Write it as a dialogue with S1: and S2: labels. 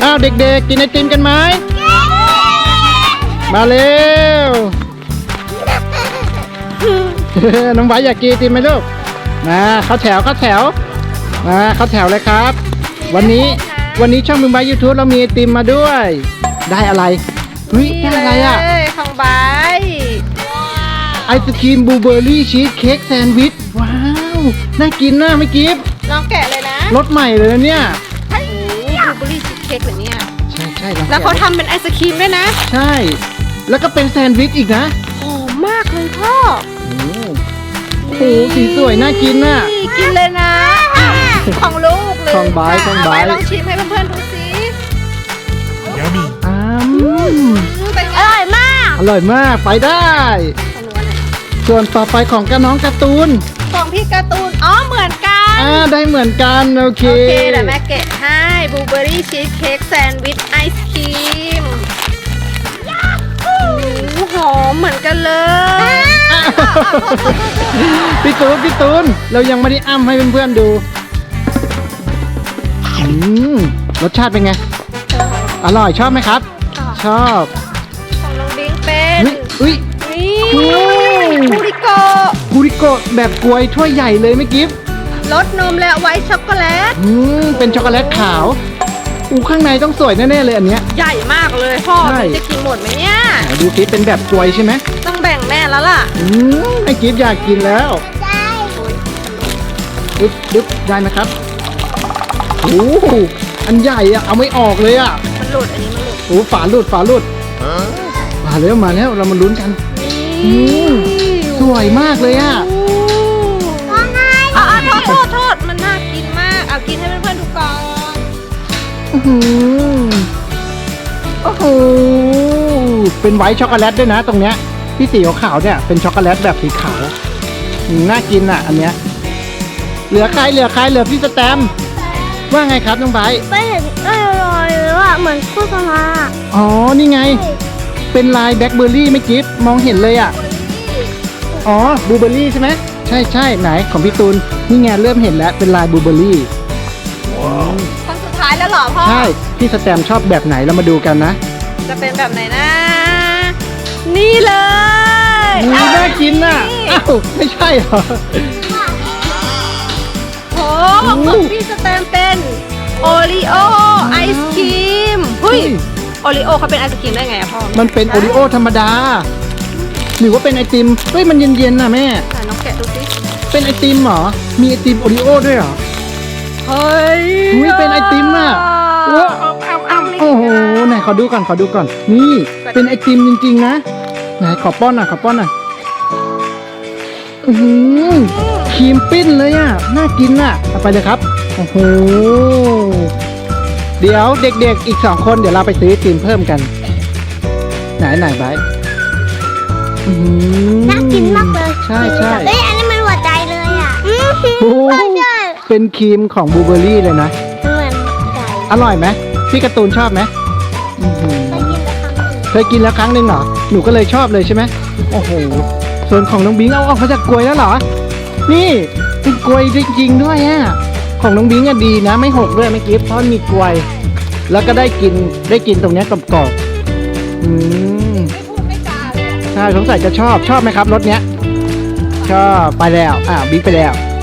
S1: อ้าวเด็กๆกินไอติมกันไหมมาเร็ว น้องไบร์ทอยากกินไอติมไหมลูกมาเข้าแถวมาเข้าแถวเลยครับวันนี้ช่องมึงไบร์ท YouTube เรามีไอติมมาด้วยได้อะไรได้อะไรอ่ะ
S2: ของใบ
S1: ไอศครีมบลูเบอร์รี่ชีสเค้กแซนด์วิชว้าวน่ากินนะไม่กิฟ
S2: ลองแกะเลยนะ
S1: รสใหม่เลยนะเนี่ย
S2: บลูเบอร์รี่ชีสเค้กเหรอเนี่ย
S1: ใช่
S2: แล้วเขาทำเป็นไอศครีมด้วยนะ
S1: ใช่แล้วก็เป็นแซนด์วิชอีกนะ
S2: หอมมากเลยพ่อ
S1: โอ้โหสีสวยน่ากินน่ะ
S2: กินเลยนะของลูกเลย
S1: ของใบ
S2: ลองชิมให้เพื่อนๆดูสิ
S1: อร่อยมากไปได้ส่วนต่อไปของน้องการ์ตูน
S2: ของพี่การ์ตูนเหมือนกัน
S1: ได้เหมือนกันโอเค
S2: เดี๋ยวแม่แกะให้บลูเบอร์รี่ชีสเค้กแซนด์วิชไอศครีมหอมเหมือนกันเลย
S1: พี่ตูนเรายังไม่ได้อ้ำให้เพื่อนๆดูรสชาติเป็นไงอร่อยชอบไหมครับชอบ
S2: ของน้องดิ้งเป็นนี่กู
S1: ริโกะแบบกล้วยถ้วยใหญ่เลยไม่กิฟ
S2: รสนมและไวท์ช็อกโกแลต
S1: เป็นช็อกโกแลตขาวข้างในต้องสวยแน่ๆเลยอันเนี้ย
S2: ใหญ่มากเลยพ่อจะกินหมดไหมเนี่ย
S1: ดูกิฟเป็นแบบกล้วยใช่ไหม
S2: ต้องแบ่งแม่แล้วล่ะ
S1: ไอ้กิฟอยากกินแล้วได้ดึ๊บได้ไหมครับโอ้อันใหญ่อะเอาไม่ออกเลยอะ
S2: มันหลุดอันนี้มันหลุด
S1: ฝาหลุดมาแล้วเรามาลุ้นกันสวยมากเลยอะ
S2: โทษมันน่ากินมากเอากินให้เพื่อนๆดูก่อน
S1: โอ้โหเป็นไวท์ช็อกโกแลตด้วยนะตรงเนี้ยที่สีขาวเนี่ยเป็นช็อกโกแลตแบบสีขาวน่ากินอ่ะอันเนี้ยเหลือใครพี่สแตมว่าไงครับน้องไบร์ท
S3: ไม่เห็นอร่อยเลยว่ะเหมือนโฆษณา
S1: นี่ไงเป็นลายแบล็คเบอร์รี่ไม่กิ๊บมองเห็นเลยอ่ะบลูเบอร์รี่ใช่ไหมใช่ไหนของพี่ตูนนี่ไงเริ่มเห็นแล้วเป็นลายบลูเบอร์รี่
S2: คนสุดท้ายแล้วเหรอพ่อ
S1: ใช่พี่สแตมชอบแบบไหนเรามาดูกันนะ
S2: จะเป็นแบบไหนนะนี่เลย
S1: น่ากินน่ะไม่ใช่เหรอ
S2: ของพี่สแตมเป็นโอริโอไอศครีมโอริโอเขาเป็นไอศครีมได้ไงพ่อ
S1: มันเป็นโอริโอธรรมดาหรือว่าเป็นไอติมมันเย็นๆน่ะแม่
S2: น้องแกะดูสิ
S1: เป็นไอติมเหรอมีไอติมโอริโอด้วยเหรอเป็นไอติมอ่ะโอ้โหไหนขอดูก่อนนี่เป็นไอติมจริงๆนะไหนขอป้อนหน่อยครีมปิ้นเลยอ่ะน่ากินอ่ะเอาไปเลยครับโอ้โหเดี๋ยวเด็กๆอีก2คนเดี๋ยวเราไปซื้อไอติมเพิ่มกันไหนไบร์ท
S3: น่ากินมากเลย
S1: ใช่
S3: อันนี้มันหัวใจเลยอ่ะ
S1: เป็นครีมของบลูเบอร์รี่เลยนะอร่อยไหมพี่การ์ตูนชอบไหมเคยกินแล้วครั้งหนึ่งเหรอหนูก็เลยชอบเลยใช่ไหมโอ้โหส่วนของน้องบิงเอาเขาจากกล้วยแล้วเหรอนี่เป็นกล้วยจริงๆด้วยอ่ะของน้องบิงดีนะไม่หกด้วยไม่กิ๊บเพราะมีกล้วยแล้วก็ได้กินตรงนี้กรอบใช่สงสัยจะชอบไหมครับรสเนี้ยชอบไปแล้วบิ๊กไปแล้ว